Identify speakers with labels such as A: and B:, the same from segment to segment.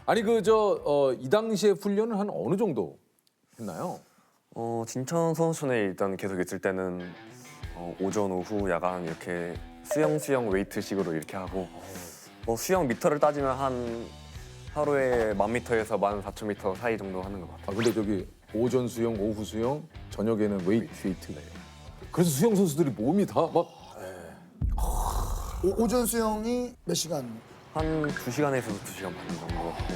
A: 아니 이 당시에 훈련을 한 어느 정도 했나요?
B: 진천 선수촌에 일단 계속 있을 때는 오전, 오후, 야간 이렇게 수영 웨이트식으로 이렇게 하고 수영 미터를 따지면 한 하루에 1000m에서 14,000m 사이 정도 하는 것 같아요.
A: 아 근데 저기 오전 수영, 오후 수영, 저녁에는 웨이트. 그래서 수영 선수들이 몸이 다 막
C: 오전 수영이 몇 시간?
B: 한 2시간에서 2시간 반 정도 하고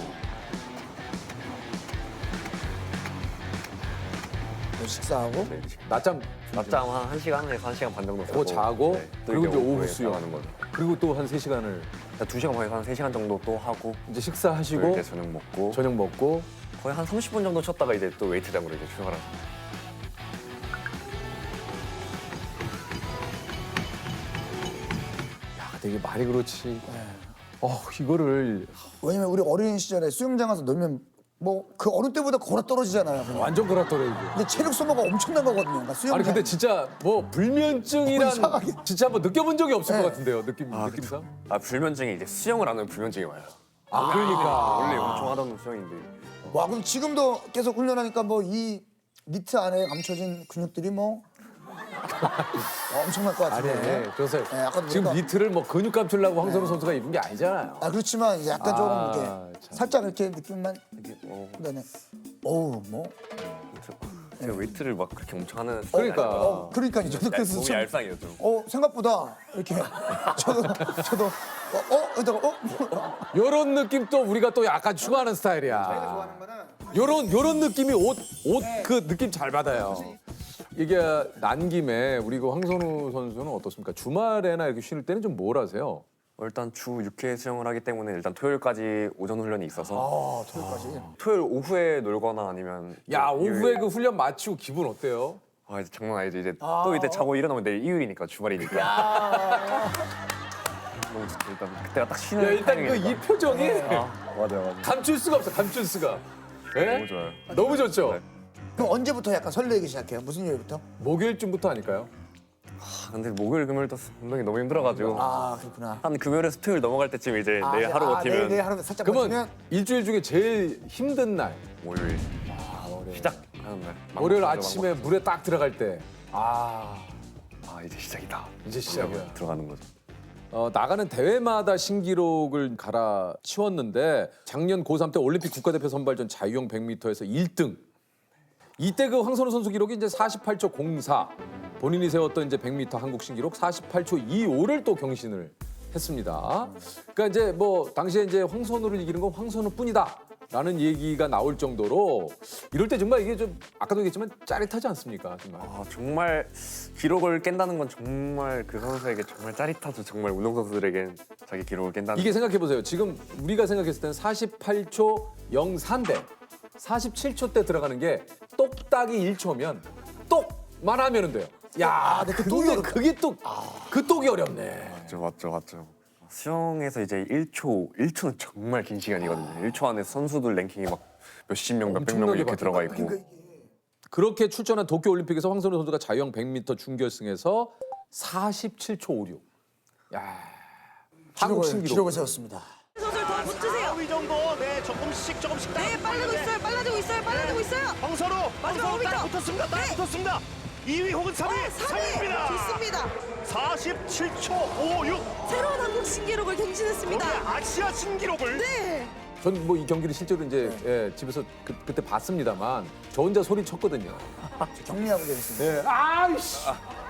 C: 식사하고?
B: 네,
A: 낮잠
B: 낮잠 한 1시간에서 1시간 반 정도 자고
A: 자고
B: 또
A: 그리고 이제 오후
B: 오후에
A: 수영
B: 하는 거죠.
A: 그리고 또 한 3시간을
B: 2시간 반에서 한 3시간 정도 또 하고
A: 이제
B: 또
A: 식사하시고
B: 이제 저녁 먹고
A: 저녁 먹고
B: 거의 한 30분 정도 쉬었다가 이제 또 웨이트장으로 이제 출발하죠.
A: 야 되게 말이 그렇지. 이거를
C: 왜냐면 우리 어린 시절에 수영장 가서 놀면 뭐 그 어느 때보다 걸어 떨어지잖아요. 그냥.
A: 완전 그렇더라고요.
C: 근데 체력 소모가 엄청난 거거든요. 그러니까 수영장.
A: 아니 근데 진짜 뭐 불면증이란
C: 이상하게.
A: 진짜 한번 느껴본 적이 없을
C: 네.
A: 것 같은데요. 느낌상.
B: 불면증이 이제 수영을 안 하면 불면증이 와요.
A: 그러니까
B: 원래 엄청 하던 수영인데
C: 와 그럼 지금도 계속 훈련하니까 뭐 이 니트 안에 감춰진 근육들이 뭐 엄청날 것
A: 아니
C: 같은데.
A: 그래서
C: 네, 아까도
A: 지금
C: 보니까-
A: 니트를 뭐 근육 감추려고 황선우 선수가 입은 게 아니잖아요.
C: 아 그렇지만 이제 약간 조금 이렇게
A: 참.
C: 살짝 이렇게 느낌만.
B: 이게
C: 네네. 어우 뭐.
B: 제가 웨이트를 막 그렇게 엄청 하는
A: 그러니까
C: 그러니까요. 저도 그래서
B: 몸이
C: 좀-
B: 얄쌍해요 좀.
C: 생각보다 이렇게 저도 이러다가
A: 요런 느낌 또 우리가 또 약간 추구하는 스타일이야. 요런 느낌이 옷 그 느낌 잘 받아요. 이게 난 김에 우리 그 황선우 선수는 어떻습니까? 주말에나 이렇게 쉬는 때는 좀 뭘 하세요?
B: 일단 주 6회 수영을 하기 때문에 일단 토요일까지 오전 훈련이 있어서
C: 토요일까지.
B: 토요일 오후에 놀거나 아니면
A: 야
B: 또
A: 오후에
B: 일요일-
A: 그 훈련 마치고 기분 어때요?
B: 이제 장난 아니지 이제 또 이제 자고 일어나면 내일 일요일이니까 주말이니까 너무 좋죠. 일단 그때가 딱 쉬는
A: 야 일단 그
B: 타이밍이니까.
A: 이 표정이
B: 맞아요.
A: 감출 수가 없어. 감출 수가. 예?
B: 너무 좋아요.
A: 너무 좋죠.
B: 네.
C: 그럼 언제부터 약간 설레기 시작해요? 무슨 요일부터?
A: 목요일쯤부터 아닐까요?
B: 근데 목요일 금요일도 운동이 너무 힘들어가지고
C: 아 그렇구나.
B: 한 금요일에서 토요일 넘어갈 때쯤 이제 내일 하루 버티면
C: 내일 하루 살짝
A: 그러면
C: 버티면
A: 일주일 중에 제일 힘든 날
B: 월요일 시작하는 날
A: 월요일
B: 막막하죠,
A: 아침에 물에 딱 들어갈 때
B: 이제 시작이다.
A: 이제 시작이야.
B: 그러면 들어가는 거죠.
A: 나가는 대회마다 신기록을 갈아치웠는데 작년 고3 때 올림픽 국가대표 선발전 자유형 100m에서 1등. 이때 그 황선우 선수 기록이 이제 48초 04. 본인이 세웠던 이제 100m 한국 신기록 48초 25를 또 경신을 했습니다. 그러니까 이제 뭐 당시에 이제 황선우를 이기는 건 황선우뿐이다. 라는 얘기가 나올 정도로 이럴 때 정말 이게 좀 아까도 얘기했지만 짜릿하지 않습니까? 정말.
B: 정말 기록을 깬다는 건 정말 그 선수에게 정말 짜릿하죠. 정말 운동선수들에겐 자기 기록을 깬다는
A: 이게 생각해 보세요. 지금 우리가 생각했을 때는 48초 04인데 47초 때 들어가는 게 똑딱이 1초면 똑만 하면은 돼요. 야,
C: 근데 그 똑이 어렵다.
A: 그게 또 그 똑이 어렵네.
B: 맞죠. 수영에서 이제 1초는 정말 긴 시간이거든요. 1초 안에 선수들 랭킹이 막 몇십 명, 몇백 명
A: 엄청나게
B: 이렇게 들어가 있고.
C: 그러니까
A: 그렇게 출전한 도쿄 올림픽에서 황선우 선수가 자유형 100m 준결승에서 47초 56. 야, 한국 신기록.
C: 기록을 세웠습니다.
D: 선수를 더 붙으세요.
E: 4위 정도 조금씩
D: 네, 빨라지고 있어요.
E: 황선우
D: 마지막
E: 딱
D: 5m.
E: 붙었습니다. 딱
D: 네.
E: 붙었습니다. 2위 혹은 3위 3위입니다.
D: 좋습니다.
E: 47초 56.
D: 새로운 한국 신기록을 경신했습니다.
E: 거기에 아시아 신기록을
D: 네.
A: 전 뭐 이 경기를 실제로 이제 집에서 그때 봤습니다만 저 혼자 소리 쳤거든요.
C: 격리하고 되겠습니다.
A: 네. 아이씨.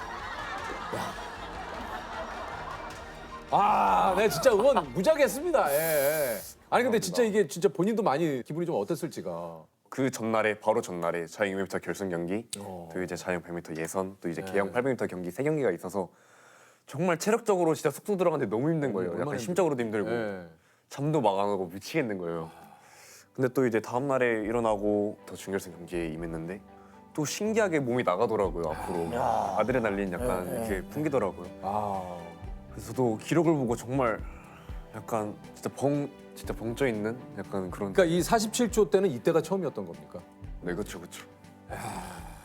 A: 네 진짜 응원 무지하게 했습니다. 예. 아니 근데 진짜 이게 진짜 본인도 많이 기분이 좀 어땠을지가.
B: 그 전날에 바로 전날에 자유형 200m 결승 경기, 또 이제 자유형 100m 예선, 또 이제 개형 800m 경기 세 경기가 있어서 정말 체력적으로 진짜 쏙쏙 들어가는데 너무 힘든 거예요.
A: 얼마나
B: 약간 심적으로도 힘들고
A: 예.
B: 잠도 막 안 오고 미치겠는 거예요. 근데 또 이제 다음 날에 일어나고 더 준결승 경기에 임했는데 또 신기하게 몸이 나가더라고요 앞으로 아드레날린 약간 이렇게 풍기더라고요. 그래서 저도 기록을 보고 정말 약간 진짜 벙쪄 있는 약간 그런.
A: 그러니까 이 47초 때는 이때가 처음이었던 겁니까?
B: 네, 그렇죠.